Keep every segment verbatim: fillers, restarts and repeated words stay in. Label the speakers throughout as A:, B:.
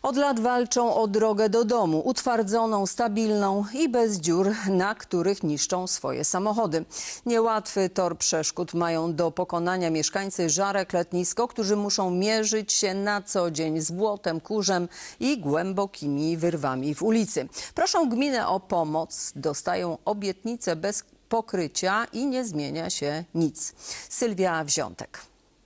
A: Od lat walczą o drogę do domu, utwardzoną, stabilną i bez dziur, na których niszczą swoje samochody. Niełatwy tor przeszkód mają do pokonania mieszkańcy Żarek Letnisko, którzy muszą mierzyć się na co dzień z błotem, kurzem i głębokimi wyrwami w ulicy. Proszą gminę o pomoc, dostają obietnice bez pokrycia i nie zmienia się nic. Sylwia Wziątek.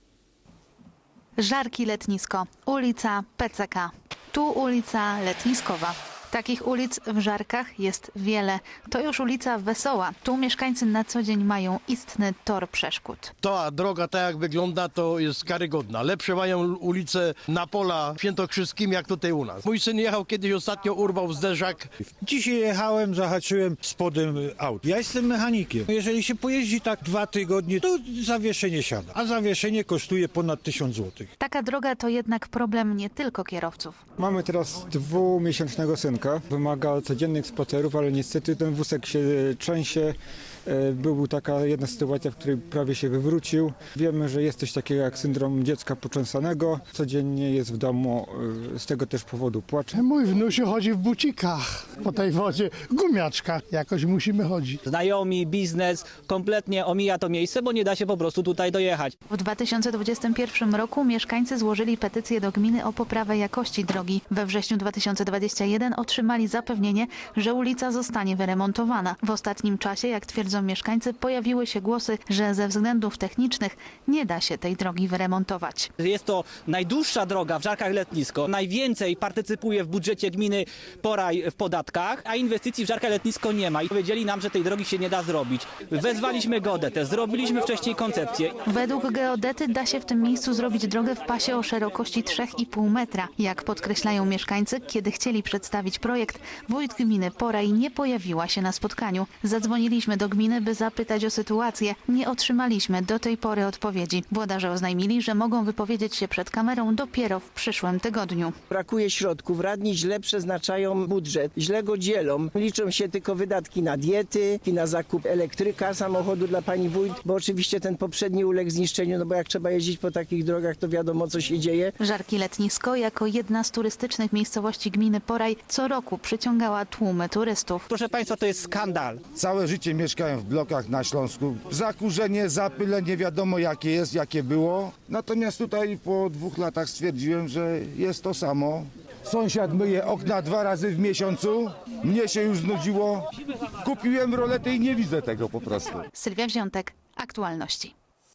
B: Żarki Letnisko, ulica P C K. Tu ulica Letniskowa. Takich ulic w Żarkach jest wiele. To już ulica Wesoła. Tu mieszkańcy na co dzień mają istny tor przeszkód.
C: Ta droga, tak jak wygląda, to jest karygodna. Lepsze mają ulice na Pola Świętokrzyskim, jak tutaj u nas. Mój syn jechał kiedyś, ostatnio urwał zderzak.
D: Dzisiaj jechałem, zahaczyłem spodem aut. Ja jestem mechanikiem. Jeżeli się pojeździ tak dwa tygodnie, to zawieszenie siada. A zawieszenie kosztuje ponad tysiąc złotych.
B: Taka droga to jednak problem nie tylko kierowców.
E: Mamy teraz dwumiesięcznego synka. Wymaga codziennych spacerów, ale niestety ten wózek się trzęsie. Była taka jedna sytuacja, w której prawie się wywrócił. Wiemy, że jest coś takiego jak syndrom dziecka poczęsanego. Codziennie jest w domu, z tego też powodu płacze.
F: Mój wnusiu chodzi w bucikach po tej wodzie, gumiaczkach. Jakoś musimy chodzić.
G: Znajomi, biznes kompletnie omija to miejsce, bo nie da się po prostu tutaj dojechać.
B: W dwa tysiące dwudziestym pierwszym roku mieszkańcy złożyli petycję do gminy o poprawę jakości drogi. We wrześniu dwa tysiące dwudziestym pierwszym otrzymali zapewnienie, że ulica zostanie wyremontowana. W ostatnim czasie, jak twierdzą mieszkańcy, pojawiły się głosy, że ze względów technicznych nie da się tej drogi wyremontować.
G: Jest to najdłuższa droga w Żarkach Letnisko. Najwięcej partycypuje w budżecie gminy Poraj w podatkach, a inwestycji w Żarkach Letnisko nie ma. I powiedzieli nam, że tej drogi się nie da zrobić. Wezwaliśmy geodetę, zrobiliśmy wcześniej koncepcję.
B: Według geodety da się w tym miejscu zrobić drogę w pasie o szerokości trzy i pół metra. Jak podkreślają mieszkańcy, kiedy chcieli przedstawić projekt, wójt gminy Poraj nie pojawiła się na spotkaniu. Zadzwoniliśmy do gminy, by zapytać o sytuację. Nie otrzymaliśmy do tej pory odpowiedzi. Włodarze oznajmili, że mogą wypowiedzieć się przed kamerą dopiero w przyszłym tygodniu.
H: Brakuje środków, radni źle przeznaczają budżet, źle go dzielą. Liczą się tylko wydatki na diety, na zakup elektryka, samochodu dla pani wójt, bo oczywiście ten poprzedni uległ zniszczeniu, no bo jak trzeba jeździć po takich drogach, to wiadomo, co się dzieje.
B: Żarki Letnisko, jako jedna z turystycznych miejscowości gminy Poraj, co roku przyciągała tłumy turystów.
G: Proszę państwa, to jest skandal.
I: Całe życie mieszkałem w blokach na Śląsku. Zakurzenie, zapyle, nie wiadomo jakie jest, jakie było. Natomiast tutaj po dwóch latach stwierdziłem, że jest to samo. Sąsiad myje okna dwa razy w miesiącu. Mnie się już znudziło. Kupiłem roletę i nie widzę tego po prostu.
B: Sylwia Wziątek, Aktualności.